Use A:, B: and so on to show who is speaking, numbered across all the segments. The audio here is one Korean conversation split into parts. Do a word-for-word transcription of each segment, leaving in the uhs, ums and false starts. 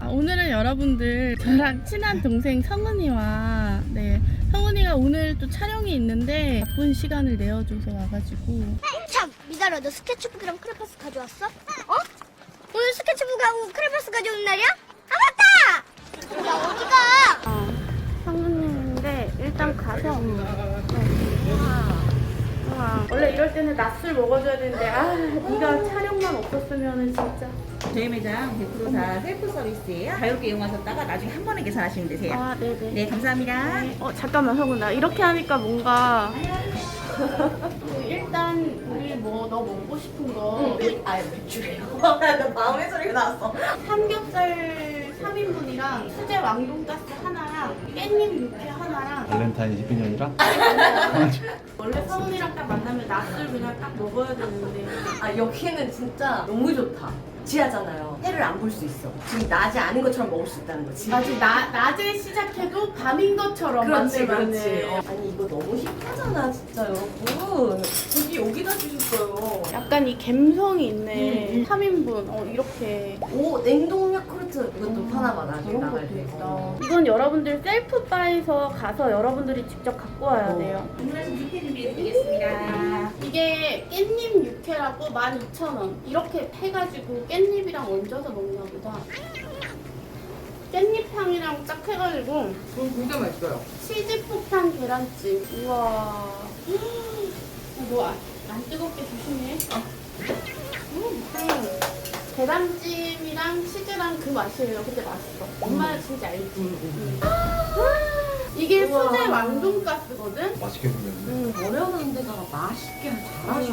A: 아, 오늘은 여러분들 저랑 친한 동생 성은이와 네 성은이가 오늘 또 촬영이 있는데 바쁜 시간을 내어줘서 와가지고.
B: 참, 미달아, 너 스케치북이랑 크레파스 가져왔어? 어? 오늘 스케치북하고 크레파스 가져온 날이야? 아, 맞다! 야, 어디가?
A: 어, 성은이인데 일단 가서 아, 원래 이럴 때는 낮술 먹어줘야 되는데 아 네가 촬영만 없었으면은 진짜.
C: 저희 매장 백 퍼센트 다 셀프 서비스예요. 자유롭게 이용하셨다가 나중에 한 번에 계산하시면 되세요.
A: 아 네네.
C: 네, 감사합니다.
A: 어 잠깐만 성은아, 이렇게 하니까 뭔가 일단 우리 뭐 너 먹고 싶은 거
C: 아, 맥주예요. 나 마음의 소리가 나왔어.
A: 삼겹살 삼 인분이랑 수제 왕돈가스 하나랑 깻잎 육회 하나랑.
D: 발렌타인 십이 년이라?
A: 원래 성은이랑 딱 만나면 낮술 그냥 딱 먹어야 되는데.
E: 아, 여기는 진짜 너무 좋다. 지하잖아요. 해를 안 볼 수 있어. 지금 낮이 아닌 것처럼 먹을 수 있다는 거지.
A: 아직 나, 낮에 시작해도 밤인 것처럼
E: 그렇지,
A: 만들면
E: 그렇지.
A: 돼.
E: 어. 아니, 이거 너무 힙하잖아, 진짜, 여러분. 고기 여기다 주셨어요.
A: 약간 이 감성이 있네.
E: 음, 음.
A: 삼 인분 어 이렇게.
E: 오, 냉동 야쿠르트. 이것도 하나만 나중에
A: 그런
E: 나갈
A: 것도
E: 때.
A: 있다. 이건 여러분들 셀프 바에서 가서 여러분들이 직접 갖고 와야
E: 어.
A: 돼요.
C: 주문하신 육회 준비해드리겠습니다.
A: 이게 깻잎 육회라고 만 이천 원 이렇게 해가지고 깻잎이랑 얹어서 먹나 보다. 깻잎 향이랑 딱 해가지고
E: 그럼 진짜 맛있어요.
A: 치즈 폭탄 계란찜. 우와. 너 안 뜨겁게 조심해. 음, 음. 계란찜이랑 치즈랑 그 맛이에요. 근데 맛있어. 엄마는 진짜 알지. 음. 이게
E: 우와.
A: 수제 왕돈가스거든.
D: 맛있게 생겼네.
A: 음.
E: 어려운 데다가 맛있게 잘하셔.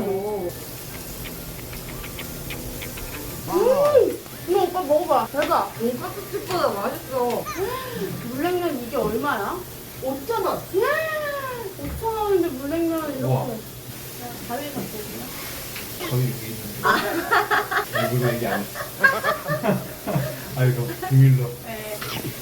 A: 음. 이거 오빠 먹어봐. 대박.
E: 돈까스 집보다 맛있어.
A: 물냉면 이게 얼마야? 오천 원. 오천 원인데 물냉면 이렇게.
D: 우와.
A: 가위 갖거든요.
D: 거기 여기 있는데. 일부러 얘기 안 했어. 아, 이거 비밀로.
A: 네.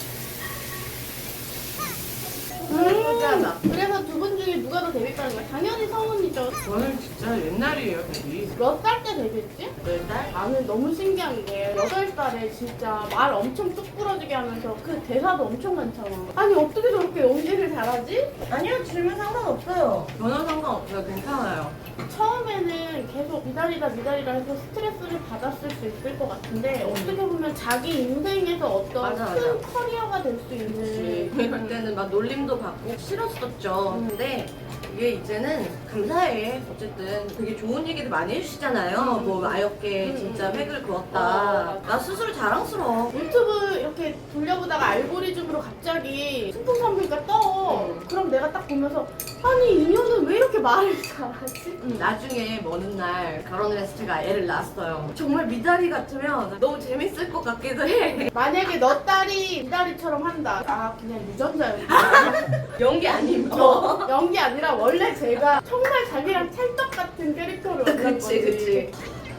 A: 음. 그래서 두 분 중에 누가 더 데뷔하는 거야? 당연히 성훈이죠.
E: 저는 진짜 옛날이에요, 데뷔.
A: 몇 살 때 데뷔했지?
E: 네 달?
A: 나는 너무 신기한 게 여덟 살에 진짜 말 엄청 뚝 부러지게 하면서 그 대사도 엄청 많잖아. 아니 어떻게 저렇게 연기를 잘하지?
E: 아니요, 질문 상관없어요. 전혀 상관없어요. 괜찮아요.
A: 처음에는 계속 미달이다 미달이다 해서 스트레스를 받았을 수 있을 것 같은데 어떻게 보면 자기 인생에서 어떤
E: 맞아,
A: 큰
E: 맞아.
A: 커리어가 될 수 있는.
E: 그럴 때는 막 놀림도 받고 싫었었죠.
A: 음.
E: 근데 이게 이제는 감사해. 어쨌든 되게 좋은 얘기도 많이 해주시잖아요.
A: 음.
E: 뭐 아역게
A: 음.
E: 진짜 획을
A: 어,
E: 그었다.
A: 맞아.
E: 나 스스로 자랑스러워.
A: 유튜브 이렇게 돌려보다가 알고리즘으로 갑자기 순풍 선물가 떠.
E: 음.
A: 그럼 내가 딱 보면서 아니 이 년은 왜 이렇게 말을 잘하지?
E: 음, 나중에 먼 날 결혼을 해서 제가 애를 낳았어요. 정말 미달이 같으면 너무 재밌을 것 같기도 해.
A: 만약에 너 딸이 미달이처럼 한다. 아 그냥 유전자였어.
E: 연기 아니면.
A: 어, 연기 아니라 원래 제가 정말 자기랑 찰떡 같은 캐릭터를 원한 거지.
E: 그치, 그치.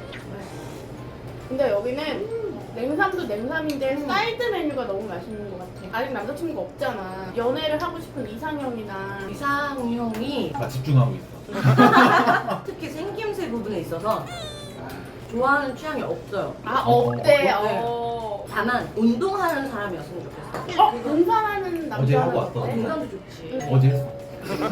A: 근데 여기는 냉삼도 냉삼인데 사이드 메뉴가 너무 맛있는 것 같아. 아직 남자친구가 없잖아. 연애를 하고 싶은 이상형이나.
E: 이상형이
D: 나 집중하고 있어.
E: 특히 생김새 부분에 있어서 좋아하는 취향이 없어요.
A: 아 없대.
E: 네.
A: 어.
E: 다만 운동하는 사람이었으면 좋겠어.
A: 어 등산하는 남자.
D: 어제 하고 왔어.
E: 운동도 좋지.
D: 어제 했어.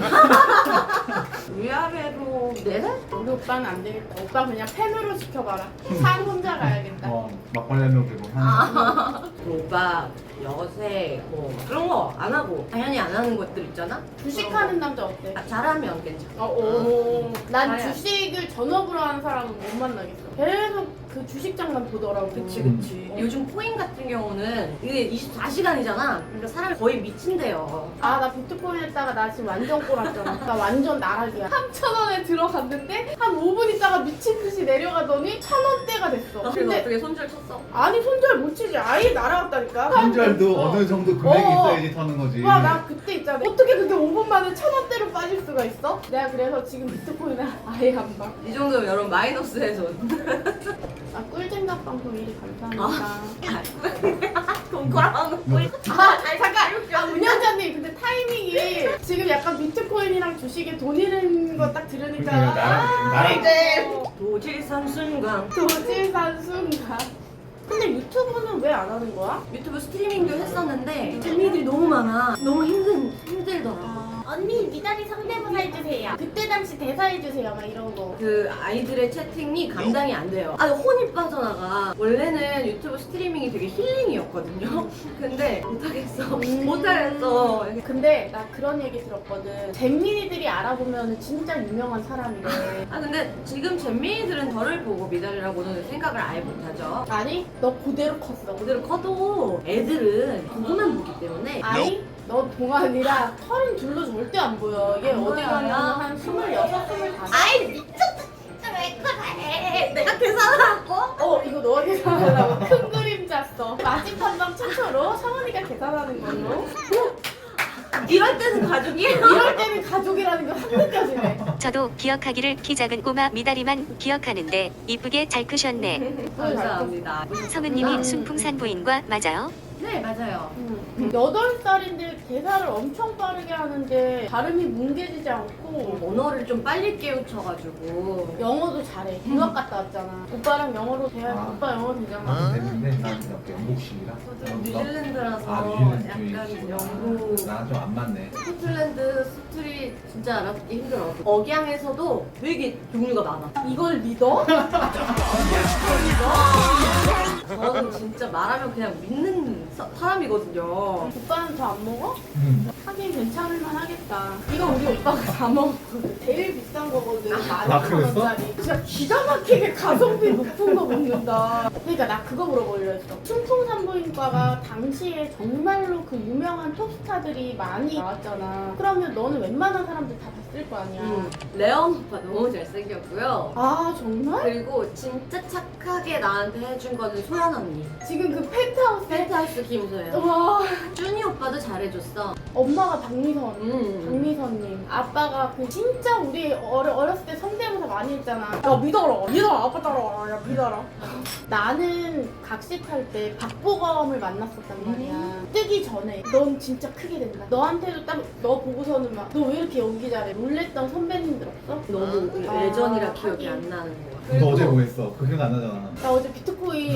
E: 위아래로 네 살?
A: 우리 오빠는 안 되겠다. 오빠 그냥 팬으로 시켜봐라. 산 혼자 가야겠다.
D: 어, 막걸리 한 명 들고. 하는
E: 그 오빠 여색 뭐 그런 거 안 하고 당연히 안 하는 것들 있잖아?
A: 주식하는 남자 어때?
E: 아, 잘하면 괜찮아.
A: 어, 오. 난
E: 잘해.
A: 주식을 전업으로 하는 사람은 못 만나겠어. 계속 그 주식장만 보더라고.
E: 그치 그치. 요즘 코인 같은 경우는 이게 이십사 시간이잖아. 그러니까 사람이 거의 미친대요.
A: 아, 나 비트코인 했다가 나 지금 완전 꼬랐잖아. 나 완전 나락이야. 삼천 원에 들어갔는데 한 오 분 있다가 미친 듯이 내려가더니 천 원대가 됐어.
E: 그래서
A: 근데
E: 어떻게 손절 쳤어?
A: 아니 손절 못 치지. 아예 날아갔다니까.
D: 손절도
A: 어.
D: 어느 정도 금액이
A: 어.
D: 있어야지 터는 거지.
A: 와, 나 그때 있잖아. 어떻게 그게 오 분 만에 천 원대로 빠질 수가 있어? 내가 그래서 지금 비트코인을 아예 안 봐.
E: 이 정도면 여러분 마이너스에서
A: 아, 꿀쟁각 방송 일이 감사합니다.
E: 돈거랑
D: 뭐,
A: 아, 아니, 잠깐! 아, 운영자님, 근데 타이밍이 지금 약간 비트코인이랑 주식에 돈 잃은 거 딱 들으니까.
D: 그러니까 나랑- 나랑-
A: 아, 네.
E: 도지산 순간
A: 도지산 순간. 근데 유튜브는 왜 안 하는 거야?
E: 유튜브 스트리밍도 했었는데 재미들이 너무 많아. 너무 힘든 힘들더라.
A: 언니 미다리 성대모사 해주세요. 그때 당시 대사 해주세요. 막 이런 거.
E: 그 아이들의 채팅이 감당이 안 돼요. 아 혼이 빠져나가. 원래는 유튜브 스트리밍이 되게 힐링이었거든요. 근데 못하겠어. 못하겠어.
A: 근데 나 그런 얘기 들었거든. 잼민이들이 알아보면 진짜 유명한 사람이래.
E: 아 근데 지금 잼민이들은 저를 보고 미달이라고는 생각을 아예 못하죠.
A: 아니 너 그대로 컸어.
E: 그대로 커도 애들은 보고만 보기 때문에
A: 아니 너 동안이라 서른 둘로 절대 안 보여. 얘
E: 안
A: 어디
E: 보여요?
A: 가면 한 스물여섯, 스물다섯.
B: 아이 미쳤다 진짜 왜 그래?
E: 내가 계산하고
A: 어 이거 너가 계산하려고 큰 그림 짰어. 마집 한방 최초로 성은이가 계산하는 걸로.
E: 이럴 때는 가족이에요.
A: 이럴 때는 가족이라는 게 확 느껴지네.
F: 저도 기억하기를 키 작은 꼬마 미다리만 기억하는데 이쁘게 잘 크셨네.
E: 감사합니다.
F: 성은님이 순풍산 부인과 맞아요?
E: 네 맞아요.
A: 여덟 살인데 대사를 엄청 빠르게 하는데 발음이 뭉개지지 않고
E: 언어를 좀 빨리 깨우쳐가지고
A: 영어도 잘해. 유학 갔다 왔잖아. 오빠랑 영어로 대화,
D: 아.
A: 오빠 영어 되잖아.
D: 됐는데 난 그냥 영국식이라.
E: 저도 뉴질랜드라서
D: 아, 뉴질랜드
E: 약간
D: 쪽이지.
E: 영국
D: 나랑 좀 안 맞네.
E: 스코틀랜드 스트릿 진짜 알아듣기 힘들어. 억양에서도 되게 종류가 많아.
A: 이걸 믿어?
E: 저는 진짜 말하면 그냥 믿는 사- 사람이거든요.
A: 오빠는 더 안 먹어?
D: 음.
A: 하긴 괜찮을만 하겠다. 이거 우리 오빠가 다 먹었거든. 제일 비싼 거거든. 만
D: 아,
A: 이천
D: 그랬어?
A: 원짜리. 진짜 기가 막히게 가성비 높은 거 먹는다. 그러니까 나 그거 물어보려 했어. 충풍산부인과가 당시에 정말로 그 유명한 톱스타들이 많이 나왔잖아. 그러면 너는 웬만한 사람들 다 봤을 거 아니야.
E: 음, 레온 오빠 너무 잘생겼고요.
A: 아 정말?
E: 그리고 진짜 착하게 나한테 해준 거는 소연 언니.
A: 지금 그 펜트하우스
E: 펜트하우스 김소연.
A: 와
E: 준이 오빠도 잘해줬어.
A: 엄마가 박미선.
E: 음.
A: 박미선님 아빠가 그 진짜 우리 어려, 어렸을 때 성대모사 많이 했잖아. 야 믿어라 믿어라 아빠 따라와 야 믿어라. 나는 각식할 때 박보검을 만났었단 말이야. 뜨기 전에 넌 진짜 크게 된다. 너한테도 딱 너 보고서는 막 너 왜 이렇게 연기 잘해 놀랬던 선배님들 없어?
E: 너무
A: 아,
E: 예전이라 기억이
A: 하긴.
E: 안 나는 거야.
D: 너 어제 뭐 했어? 그 기억 안 나잖아.
A: 나 어제 비트코인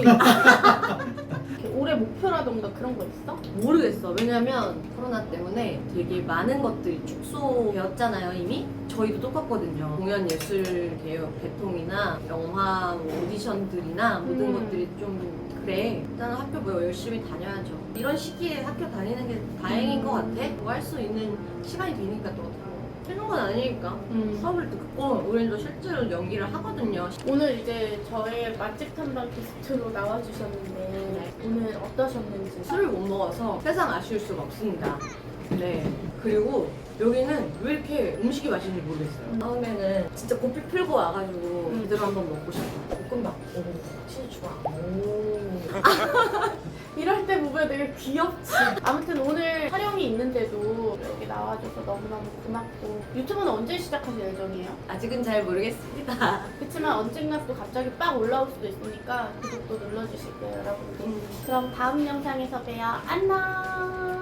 A: 이렇게 올해 목표라던가 그런 거 있어?
E: 모르겠어. 왜냐면 코로나 때문에 되게 많은 것들이 축소되었잖아요, 이미. 저희도 똑같거든요. 공연 예술 개혁 개통이나 영화 뭐 오디션들이나 모든
A: 음.
E: 것들이 좀 그래. 일단 학교 뭐 열심히 다녀야죠. 이런 시기에 학교 다니는 게 다행인 것 같아. 뭐 할 수 있는 시간이 되니까 또 쉬는 건 아니니까.
A: 음.
E: 수업을 듣고 우리도 실제로 연기를 하거든요.
A: 오늘 이제 저의 맛집 탐방 게스트로 나와주셨는데 오늘 어떠셨는지.
E: 술을 못 먹어서 세상 아쉬울 수가 없습니다. 네. 그리고 여기는 왜 이렇게 음식이 맛있는지 모르겠어요. 다음에는 진짜 고삐 풀고 와가지고 제대로 한번 먹고 싶어. 볶음밥. 오, 치즈 좋아. 오.
A: 이럴 때 보면 되게 귀엽지. 아무튼 오늘 촬영이 있는데도 여기 나와줘서 너무너무 고맙고. 유튜브는 언제 시작하실 예정이에요?
E: 아직은 잘 모르겠습니다.
A: 그렇지만 언젠가 또 갑자기 빡 올라올 수도 있으니까 구독도 눌러주시고요 여러분들. 그럼 다음 영상에서 봬요. 안녕.